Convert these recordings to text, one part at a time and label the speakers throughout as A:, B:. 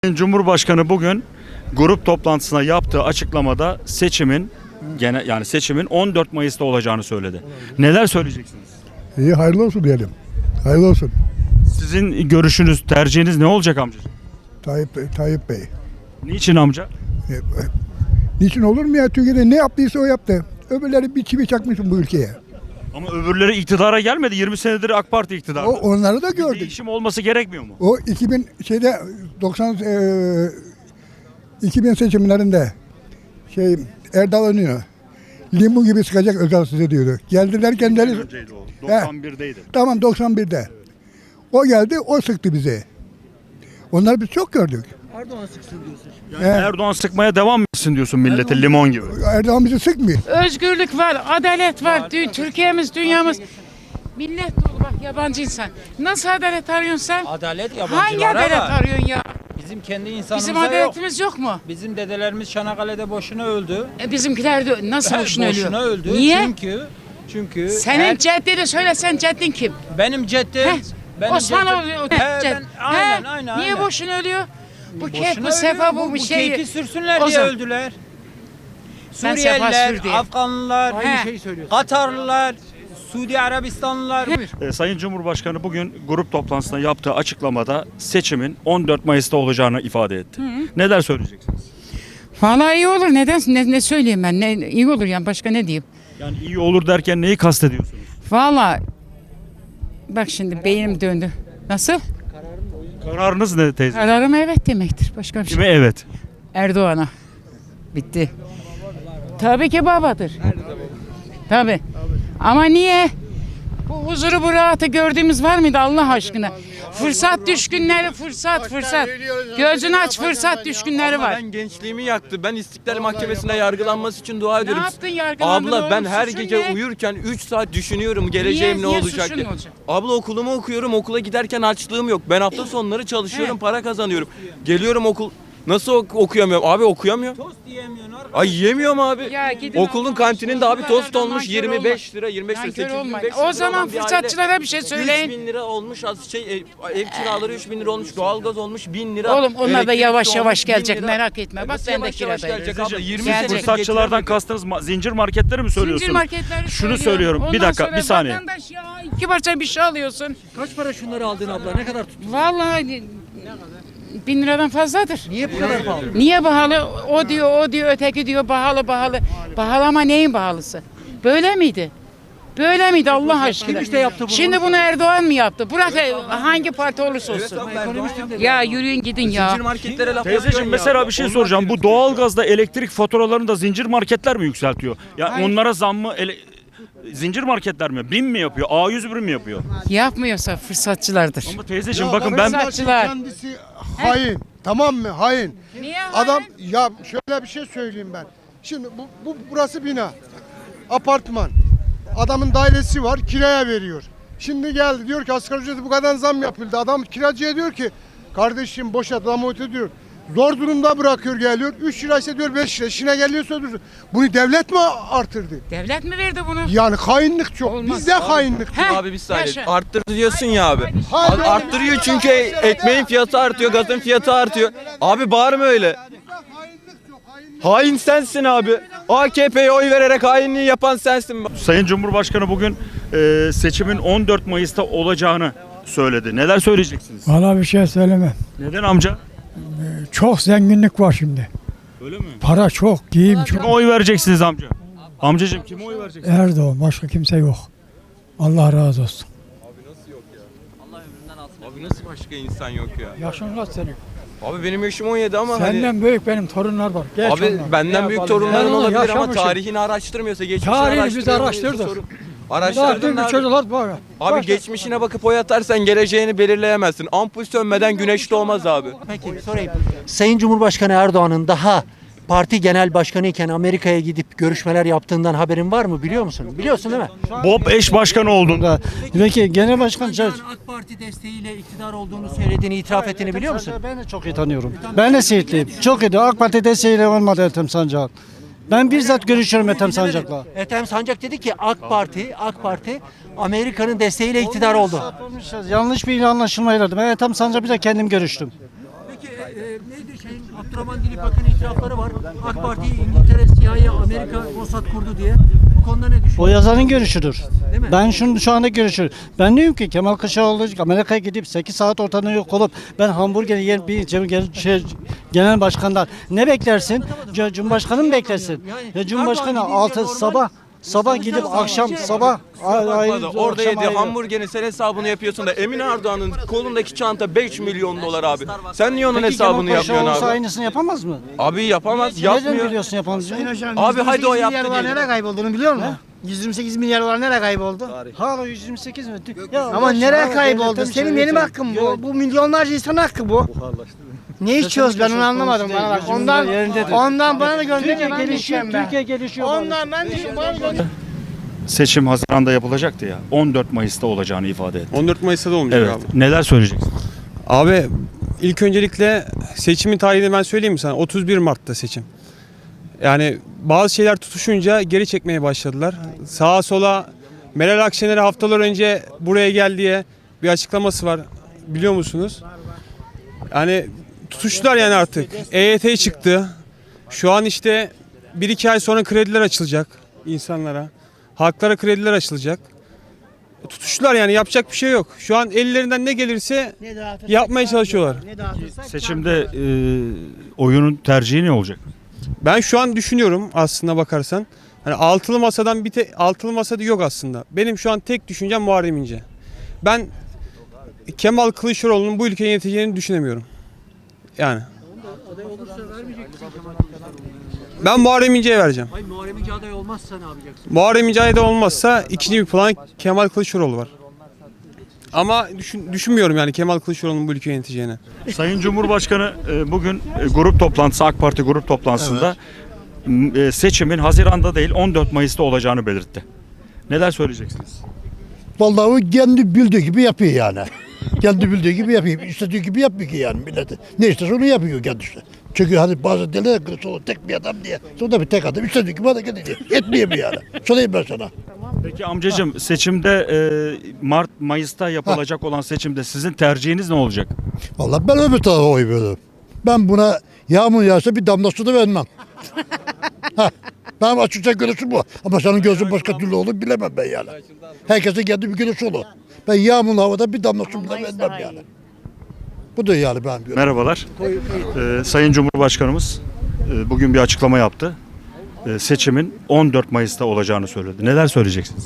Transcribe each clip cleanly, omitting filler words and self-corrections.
A: Cumhurbaşkanı bugün grup toplantısına yaptığı açıklamada seçimin 14 Mayıs'ta olacağını söyledi. Neler söyleyeceksiniz?
B: İyi, hayırlı olsun diyelim. Hayırlı olsun.
A: Sizin görüşünüz, tercihiniz ne olacak amcacığım?
B: Tayyip Bey.
A: Niçin amca?
B: Niçin olur mu ya? Türkiye'de ne yaptıysa o yaptı. Öbürleri bir çivi çakmışsın bu ülkeye.
A: Ama öbürleri iktidara gelmedi. 20 senedir AK Parti iktidarda.
B: Onları da
A: Bir
B: gördük.
A: değişim olması gerekmiyor mu?
B: O 2000 seçimlerinde Erdal Önü'nü limon gibi sıkacak Özal size diyordu. Geldiler kendileri.
A: Önceydi o. 91'deydi.
B: Tamam, 91'de. O geldi, o sıktı bizi. Onları biz çok gördük.
C: Erdoğan sıksın diyorsun şimdi.
A: Yani Erdoğan sıkmaya devam etsin diyorsun millete limon gibi.
B: Erdoğan bizi sıkmıyor.
D: Özgürlük var, adalet var. Türkiye'miz, dünyamız. Millet dolu bak, yabancı insan. Nasıl adalet arıyorsun sen?
C: Adalet
D: Hangi
C: yabancılara
D: adalet
C: var.
D: arıyorsun ya?
C: Bizim kendi insanımıza
D: Bizim
C: yok.
D: adaletimiz yok mu?
C: Bizim dedelerimiz Çanakkale'de boşuna öldü.
D: Bizimkiler de nasıl boşuna ölüyor?
C: Boşuna öldü.
D: Niye?
C: Çünkü
D: Senin ceddini söyle, sen ceddin kim?
C: benim ceddim.
D: Osmanoğlu cedd.
C: Aynen.
D: Niye boşuna ölüyor? Bu kek,
C: Boşuna
D: bu sefa,
C: ölüyor.
D: bu bir şey.
C: keyfi sürsünler
D: O
C: diye
D: zaman-
C: öldüler.
D: Sen sefa
C: Suriyeliler,
D: sür diye.
C: Afganlılar,
D: He.
C: Katarlılar, Suudi Arabistanlılar.
A: Sayın Cumhurbaşkanı bugün grup toplantısında yaptığı açıklamada seçimin 14 Mayıs'ta olacağını ifade etti. Neler söyleyeceksiniz?
D: Vallahi iyi olur. Neden? Ne söyleyeyim ben? İyi olur yani, başka ne diyeyim?
A: Yani iyi olur derken neyi kastediyorsunuz?
D: Vallahi bak şimdi beynim döndü. Nasıl?
A: Kararınız ne teyze?
D: Kararım evet demektir. Başka bir şey.
A: Kime evet?
D: Erdoğan'a. Bitti. Tabii ki babadır. Tabii. Ama niye? Bu huzuru, bu rahatı gördüğümüz var mıydı Allah aşkına? Fırsat düşkünleri, fırsat. Gözünü aç, fırsat düşkünleri
E: Abla
D: var.
E: ben gençliğimi yaktı. Ben İstiklal Mahkemesi'nde yargılanması için dua ediyorum.
D: yaptın, yargılandın
E: Abla ben
D: oğlum?
E: her
D: Suçun
E: gece
D: ne?
E: uyurken 3 saat düşünüyorum geleceğim
D: Niye?
E: ne olacak
D: Suçun
E: diye.
D: ne olacak?
E: Abla okulumu okuyorum. Okula giderken açlığım yok. Ben hafta sonları çalışıyorum, para kazanıyorum. Geliyorum nasıl okuyamıyorum? Abi okuyamıyorum.
C: Tost diyemiyorsun arkadaş.
E: Ay yiyemiyorum abi.
D: Ya gidin
E: Okulun
D: Allah'ın
E: kantininde abi
D: aşkına.
E: tost olmuş
D: Nankör
E: 25 lira, 25 lira,
D: Nankör
E: 825
D: olmayın.
E: lira.
D: O zaman
E: olan bir aile.
D: fırsatçılara bir şey söyleyin.
E: 3000 lira olmuş ev kiraları 3000 lira olmuş, doğalgaz olmuş 1000 lira.
D: Oğlum onlar da
E: elektrik
D: yavaş
E: olmuş,
D: yavaş
E: 1000
D: gelecek,
E: lira.
D: merak etme. Bak
E: Nasıl
D: ben de
E: yavaş yavaş
D: kiradayım.
E: gelecek abla? 20
D: Gelecek.
E: sene
A: Fırsatçılardan kastınız zincir marketleri mi söylüyorsunuz?
D: Zincir marketleri
A: Şunu söylüyorum. Bir
D: Ondan
A: dakika,
D: sonra
A: bir saniye.
D: Vatandaş ya 2 parça bir şey alıyorsun.
C: Kaç para şunları aldın abla? Ne kadar tuttun?
D: Vallahi 1000 liradan fazladır.
C: Niye bu kadar pahalı?
D: Niye pahalı? O diyor, öteki diyor pahalı. Pahalı ama neyin pahalısı? Böyle miydi? Böyle miydi Allah aşkına?
C: işte yaptı bunu?
D: Şimdi bunu Erdoğan mı yaptı? Bırak hangi parti olursa olsun. Ya yürüyün gidin ya.
E: Zincir marketlere laf
A: Teyzeciğim
E: yapıyorsun
A: mesela
E: ya.
A: bir şey
E: Onlar
A: soracağım. Bu
E: diyorsun.
A: doğalgazda elektrik faturalarını da zincir marketler mi yükseltiyor? Ya
D: Hayır.
A: onlara zam mı zincir marketler mi? BİM mi yapıyor? A101 mi yapıyor?
D: Yapmıyorsa fırsatçılardır.
A: Ama teyzeciğim bakın ben
D: Fırsatçılar.
F: Kendisi hain. Tamam mı? Hain.
D: Niye
F: Adam ya şöyle bir şey söyleyeyim ben. Şimdi burası bina. Apartman. Adamın dairesi var, kiraya veriyor. Şimdi geldi diyor ki asgari ücreti bu kadar zam yapıldı. Adam kiracıya diyor ki kardeşim boşalt zam diyor. Zor durumda bırakıyor geliyor. 3 lira ise diyor 5 lira. İşine geliyorsa diyor. Bunu devlet mi artırdı?
D: Devlet mi verdi bunu?
F: Yani hainlik çok.
D: Olmaz.
F: Bizde hainlik çok.
D: Heh,
E: Abi bir saniye
D: yaşa.
E: arttır diyorsun ya abi.
F: Hayır.
E: Arttırıyor çünkü ekmeğin fiyatı artıyor, gazın fiyatı artıyor. Abi bağırma öyle. Hain sensin abi. AKP'ye oy vererek hainliği yapan sensin.
A: Sayın Cumhurbaşkanı bugün seçimin 14 Mayıs'ta olacağını söyledi. Neler söyleyeceksiniz?
G: Valla bir şey söylemem.
A: Neden amca?
G: Çok zenginlik var şimdi.
A: Öyle mi?
G: Para çok, giyim
A: Kime
G: çok.
A: oy vereceksiniz amca? Amcacığım kime oy vereceksiniz?
G: Erdoğan, başka kimse yok. Allah razı olsun.
E: Abi nasıl başka insan yok ya?
G: Yaşın kaç senin?
E: Abi benim yaşım 17 ama hani...
G: Senden büyük benim torunlar var. Geç
E: Abi
G: onlar.
E: benden
G: Ne
E: büyük
G: yapalım?
E: torunların
G: Ben onu
E: olabilir ama
G: yaşamışım.
E: tarihini araştırmıyorsa, geçmişini
G: Tarihini biz
E: araştırmıyorsa
G: araştırdık.
E: sorun.
G: Daha
E: Araştırdın
G: dün
E: abi.
G: çocuklar var.
E: Abi geçmişine bakıp oy atarsan geleceğini belirleyemezsin. Ampul sönmeden güneş doğmaz abi.
C: Peki sorayım. Sayın Cumhurbaşkanı Erdoğan'ın daha parti genel başkanı iken Amerika'ya gidip görüşmeler yaptığından haberin var mı, biliyor musun? Biliyorsun değil mi?
A: Bob eş başkanı olduğunda
G: Peki genel başkan
C: AK Parti desteğiyle iktidar olduğunu söylediğini, itiraf ettiğini biliyor musun?
G: Ben de çok iyi tanıyorum. Ben de Siirtliyim. Çok iyi. AK Parti desteğiyle olmadı Ethem Sancak. Ben bizzat görüşüyorum Ethem Sancak'la.
C: Ethem Sancak dedi ki AK Parti Amerika'nın desteğiyle iktidar oldu.
G: Yanlış bir anlaşılmayla. Ben Ethem Sancak'la kendim görüştüm.
C: Peki neydi şeyin Abdurrahman Dilipak'ın itirafları var. AK Parti İngiltere, CIA, Amerika, Mossad kurdu diye. Bu konuda ne düşünüyorsun?
G: O yazarın görüşüdür.
C: Değil mi?
G: Ben şu anda görüşür. Ben diyorum ki Kemal Kılıçdaroğlu Amerika'ya gidip 8 saat ortadan yok olup ben hamburgeri yer bir genel başkanlar ne beklersin? Cumhurbaşkanı mı beklersin? Ya Cumhurbaşkanı
C: Erdoğan
G: 6
C: gidince
G: sabah gidip akşam sabah
E: Orada yediği
G: ayrı.
E: hamburgerin sen hesabını yapıyorsun da Emin Erdoğan'ın kolundaki çanta 5 milyon dolar abi. Sen niye onun
G: Peki
E: hesabını
G: Kemal
E: yapıyorsun
G: Kılıçdaroğlu
E: abi?
G: aynısını yapamaz mı?
E: Abi yapamaz,
G: Nereden
E: yapmıyor.
G: biliyorsun yapamayacağını?
E: Abi hadi o yaptı
H: milyar
E: diyelim.
H: nereye kaybolduğunu biliyor musun? 128 milyar dolar nereye kayboldu?
G: Hala 128 mi? Ya
H: Ama
G: boş
H: nereye
G: ver,
H: kayboldu?
G: devletin
H: Senin
G: içine
H: benim
G: götür.
H: hakkım bu. Bu milyonlarca insan hakkı bu. Ne içiyoruz ben onu anlamadım bana bak. Ondan bana da gönderme ben de içeceğim ben.
G: Türkiye gelişiyor.
H: Ondan ben de bana gönder.
A: Seçim Haziran'da yapılacaktı ya. 14 Mayıs'ta olacağını ifade etti.
I: 14 Mayıs'ta da olmayacak
A: Evet.
I: abi.
A: Neler söyleyeceksin?
I: Abi ilk öncelikle seçimin tarihini ben söyleyeyim mi sana? 31 Mart'ta seçim. Yani bazı şeyler tutuşunca geri çekmeye başladılar. Sağa sola Meral Akşener'e haftalar önce buraya gel diye bir açıklaması var. Biliyor musunuz? Yani tutuştular yani artık. EYT çıktı. Şu an işte 1-2 ay sonra krediler açılacak insanlara. Halklara krediler açılacak. Tutuştular yani yapacak bir şey yok. Şu an ellerinden ne gelirse yapmaya çalışıyorlar.
A: Seçimde oyunun tercihi ne olacak?
I: Ben şu an düşünüyorum aslında bakarsan. Hani altılı masadan altılı masada yok aslında. Benim şu an tek düşüncem Muharrem İnce. Ben Kemal Kılıçdaroğlu'nun bu ülkeyi yöneteceğini düşünemiyorum. Yani. Ben Muharrem İnce'ye vereceğim.
C: Hayır, Muharrem İnce aday olmazsa ne yapacaksın?
I: Muharrem İnce aday olmazsa ikinci bir plan Kemal Kılıçdaroğlu var. Ama düşünmüyorum yani Kemal Kılıçdaroğlu'nun bu ülkeyi yöneteceğini.
A: Sayın Cumhurbaşkanı bugün grup toplantısı, AK Parti grup toplantısında seçimin Haziran'da değil 14 Mayıs'ta olacağını belirtti. Neler söyleyeceksiniz?
J: Vallahi o kendi bildiği gibi yapıyor yani. Kendi bildiği gibi yapıyor. İstediği gibi yapmıyor ki yani milleti. Ne isterse onu yapıyor kendisi. Çünkü hani bazı derler Kılıçdaroğlu tek bir adam diye. Sonra bir tek adam. İstediği gibi hareket ediyor. Etmiyor mu yani? Söyleyeyim ben sana.
A: Peki amcacığım seçimde Mayıs'ta yapılacak olan seçimde sizin tercihiniz ne olacak?
J: Vallahi ben öbür tarafa oy veririm. Ben buna yağmur yağsa bir damla su da vermem. Benim açıkça görüşüm bu. Ama senin gözün başka türlü olur bilemem ben yani. Herkesin kendi bir görüşü olur. Ben yağmurlu havada bir damla su bile vermem yani. Bu da yani benim görüşüm.
A: Merhabalar. Sayın Cumhurbaşkanımız bugün bir açıklama yaptı. Seçimin 14 Mayıs'ta olacağını söyledi. Neler söyleyeceksiniz?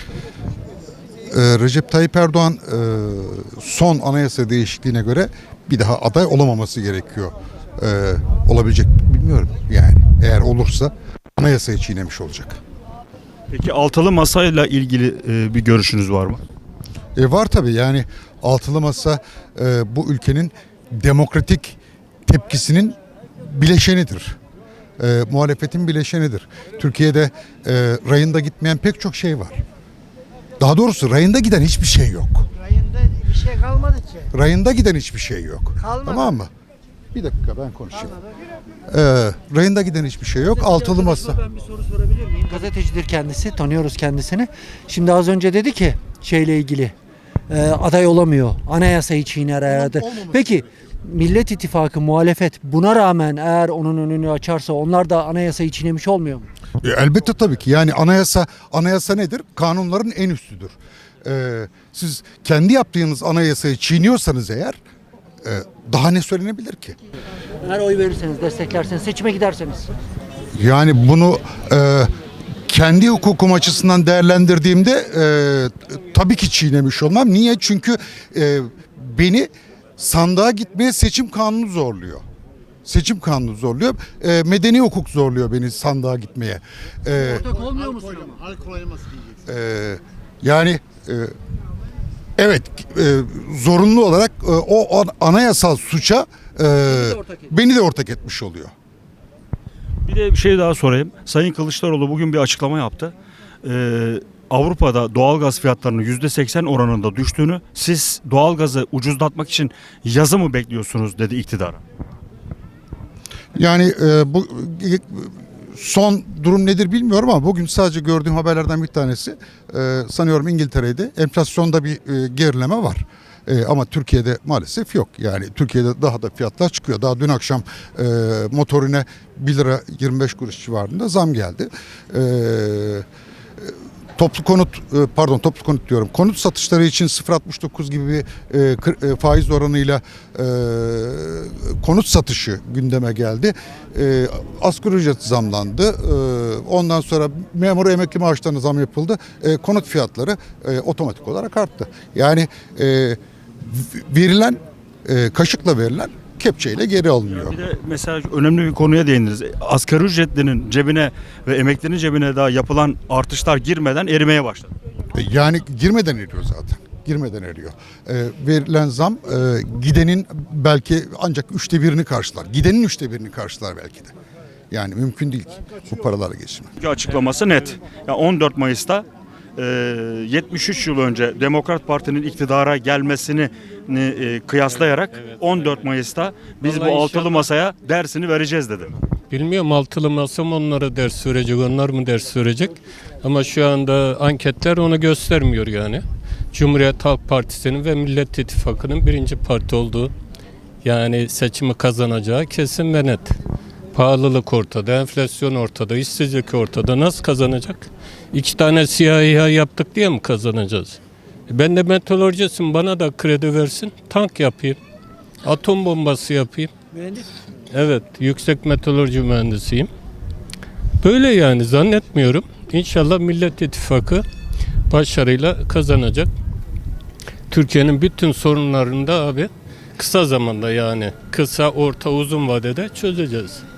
K: Recep Tayyip Erdoğan son anayasa değişikliğine göre bir daha aday olamaması gerekiyor. Olabilecek bilmiyorum yani. Eğer olursa anayasayı çiğnemiş olacak.
A: Peki altılı masayla ilgili bir görüşünüz var mı?
K: Var tabii yani altılı masa bu ülkenin demokratik tepkisinin bileşenidir. Muhalefetin bileşenidir. Türkiye'de rayında gitmeyen pek çok şey var. Daha doğrusu rayında giden hiçbir şey yok.
H: Rayında bir şey kalmadı ki.
K: Rayında giden hiçbir şey yok.
H: Kalmadı.
K: Tamam mı? Bir dakika ben konuşayım. Rayında giden hiçbir şey yok. Altılı masa.
C: Ben bir soru sorabilir miyim? Gazetecidir kendisi, tanıyoruz kendisini. Şimdi az önce dedi ki şeyle ilgili aday olamıyor. Anayasayı çiğner eğer de. Peki Millet İttifakı muhalefet buna rağmen eğer onun önünü açarsa onlar da anayasayı çiğnemiş olmuyor mu?
K: Elbette tabii ki. Yani anayasa nedir? Kanunların en üstüdür. Siz kendi yaptığınız anayasayı çiğniyorsanız eğer daha ne söylenebilir ki?
C: Eğer oy verirseniz, desteklerseniz, seçime giderseniz.
K: Yani bunu kendi hukukum açısından değerlendirdiğimde tabii ki çiğnemiş olmam. Niye? Çünkü beni sandığa gitmeye seçim kanunu zorluyor. Seçim kanunu zorluyor. Medeni hukuk zorluyor beni sandığa gitmeye.
C: Ortak olmuyor musun ama?
K: Yani evet zorunlu olarak o anayasal suça beni de ortak etmiş oluyor.
A: Bir de bir şey daha sorayım. Sayın Kılıçdaroğlu bugün bir açıklama yaptı. Avrupa'da doğalgaz fiyatlarının %80 oranında düştüğünü, siz doğalgazı ucuzlatmak için yazı mı bekliyorsunuz dedi iktidara.
K: Yani bu son durum nedir bilmiyorum ama bugün sadece gördüğüm haberlerden bir tanesi sanıyorum İngiltere'de enflasyonda bir gerileme var. Ama Türkiye'de maalesef yok. Yani Türkiye'de daha da fiyatlar çıkıyor. Daha dün akşam motorine 1 lira 25 kuruş civarında zam geldi. Toplu konut diyorum. Konut satışları için 0.69 gibi bir faiz oranıyla konut satışı gündeme geldi. Asgari ücret zamlandı. Ondan sonra memur emekli maaşlarına zam yapıldı. Konut fiyatları otomatik olarak arttı. Yani verilen kaşıkla verilen kepçeyle geri alınıyor.
A: Bir de mesela önemli bir konuya değindiniz. Asgari ücretlinin cebine ve emeklinin cebine daha yapılan artışlar girmeden erimeye başladı.
K: Yani girmeden eriyor zaten. Girmeden eriyor. Verilen zam gidenin belki ancak 1/3'ünü karşılar. Gidenin 1/3'ünü karşılar belki de. Yani mümkün değil ki bu paralara geçirmek.
A: Çünkü açıklaması net. Yani 14 Mayıs'ta 73 yıl önce Demokrat Parti'nin iktidara gelmesini kıyaslayarak 14 Mayıs'ta biz
L: Vallahi
A: bu altılı
L: inşallah.
A: masaya dersini vereceğiz dedi.
L: Bilmiyorum altılı masa mı onlara ders verecek, onlar mı ders verecek? Ama şu anda anketler onu göstermiyor yani. Cumhuriyet Halk Partisi'nin ve Millet İttifakı'nın birinci parti olduğu, yani seçimi kazanacağı kesin ve net. Pahalılık ortada, enflasyon ortada, işsizlik ortada. Nasıl kazanacak? 2 tane siyah İHA yaptık diye mi kazanacağız? Ben de meteorolojisim, bana da kredi versin, tank yapayım, atom bombası yapayım. Evet, yüksek meteoroloji mühendisiyim. Böyle yani zannetmiyorum. İnşallah Millet İttifakı başarıyla kazanacak. Türkiye'nin bütün sorunlarını da abi kısa zamanda, yani kısa, orta, uzun vadede çözeceğiz.